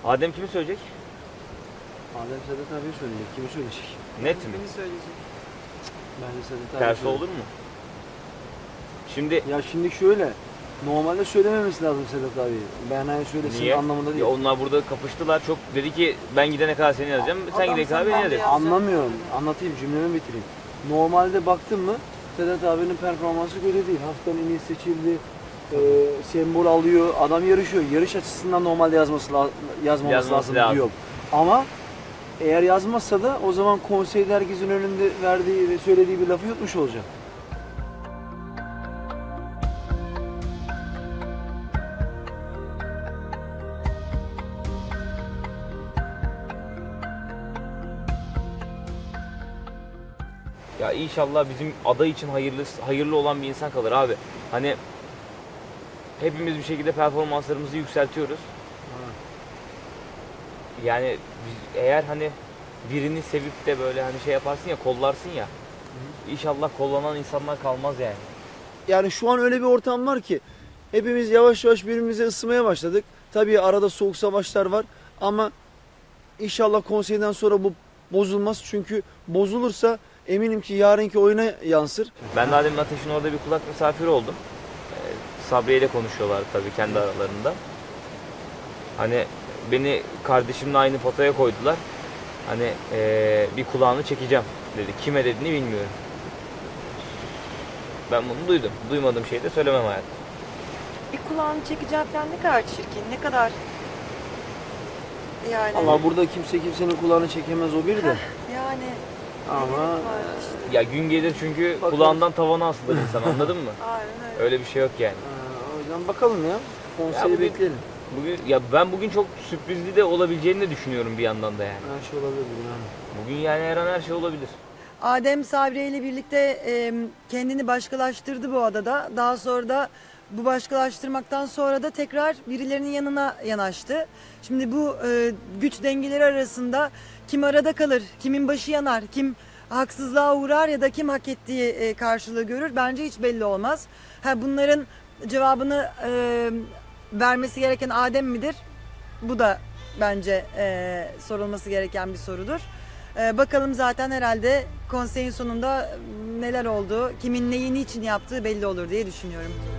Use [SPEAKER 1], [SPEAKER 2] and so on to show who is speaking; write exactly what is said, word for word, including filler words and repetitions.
[SPEAKER 1] Adem kimi söyleyecek?
[SPEAKER 2] Adem Sedat abi söyleyecek. Kimi söyleyecek?
[SPEAKER 1] Net mi?
[SPEAKER 3] Beni söyleyecek.
[SPEAKER 2] Bence Sedat abi
[SPEAKER 1] Tersi
[SPEAKER 2] söyleyecek.
[SPEAKER 1] olur mu? Şimdi
[SPEAKER 2] Ya şimdi şöyle. Normalde söylememesi lazım Sedat abi. Ben hani söylesin
[SPEAKER 1] niye?
[SPEAKER 2] anlamında değil.
[SPEAKER 1] Ya onlar burada kapıştılar. Çok dedi ki ben gidene kadar seni yazacağım. Sen
[SPEAKER 3] Adam
[SPEAKER 1] gidene kadar
[SPEAKER 3] sen
[SPEAKER 1] beni
[SPEAKER 3] ben
[SPEAKER 1] yazacaksın.
[SPEAKER 3] ya.
[SPEAKER 2] Anlamıyorum. Anlatayım, cümlemi bitireyim. Normalde baktın mı Sedat abinin performansı kötü değil. Haftanın en iyi seçildi. E, sembol alıyor. Adam yarışıyor. Yarış açısından normalde yazması la yazmaması
[SPEAKER 1] Yazması
[SPEAKER 2] lazım,
[SPEAKER 1] lazım.
[SPEAKER 2] diyor. Ama eğer yazmazsa da o zaman konseyde herkesin önünde verdiği ve söylediği bir lafı yutmuş olacak.
[SPEAKER 1] Ya inşallah bizim aday için hayırlı hayırlı olan bir insan kalır abi. Hani hepimiz bir şekilde performanslarımızı yükseltiyoruz. Yani biz, eğer hani birini sevip de böyle hani şey yaparsın ya, kollarsın ya. İnşallah kollanan insanlar kalmaz yani.
[SPEAKER 2] Yani şu an öyle bir ortam var ki hepimiz yavaş yavaş birbirimize ısınmaya başladık. Tabii arada soğuk savaşlar var ama inşallah konseyden sonra bu bozulmaz. Çünkü bozulursa eminim ki yarınki oyuna yansır.
[SPEAKER 1] Ben de Adem'in Ateş'in orada bir kulak misafiri oldum. Ee, Sabriye ile konuşuyorlar tabii kendi aralarında. Hani beni kardeşimle aynı potaya koydular. Hani ee, bir kulağını çekeceğim dedi. Kime dediğini bilmiyorum. Ben bunu duydum. Duymadığım şeyi de söylemem hayatım.
[SPEAKER 3] Bir kulağını çekeceğim falan ne kadar çirkin, ne kadar yani.
[SPEAKER 2] Ama burada kimse kimsenin kulağını çekemez, o bir de.
[SPEAKER 3] Yani
[SPEAKER 2] Ama
[SPEAKER 3] var işte.
[SPEAKER 1] Ya gün gelir çünkü
[SPEAKER 2] Bakalım.
[SPEAKER 1] kulağından tavana asılır insan, anladın mı?
[SPEAKER 3] Aynen öyle.
[SPEAKER 1] Öyle bir şey yok yani.
[SPEAKER 2] Aa, o yüzden bakalım ya.
[SPEAKER 1] Ya
[SPEAKER 2] Konseyi
[SPEAKER 1] bugün-
[SPEAKER 2] bekleyelim.
[SPEAKER 1] Bugün ya ben bugün çok sürprizli de olabileceğini de düşünüyorum bir yandan da yani.
[SPEAKER 2] Her şey olabilir yani.
[SPEAKER 1] Bugün yani her an her şey olabilir.
[SPEAKER 3] Adem Sabriye ile birlikte e, kendini başkalaştırdı bu adada. Daha sonra da bu başkalaştırmaktan sonra da tekrar birilerinin yanına yanaştı. Şimdi bu e, güç dengeleri arasında kim arada kalır, kimin başı yanar, kim haksızlığa uğrar ya da kim hak ettiği e, karşılığı görür bence hiç belli olmaz. Ha, bunların cevabını e, vermesi gereken Adem midir? Bu da bence e, sorulması gereken bir sorudur. E, bakalım zaten herhalde konseyin sonunda neler oldu, kimin neyi niçin yaptığı belli olur diye düşünüyorum.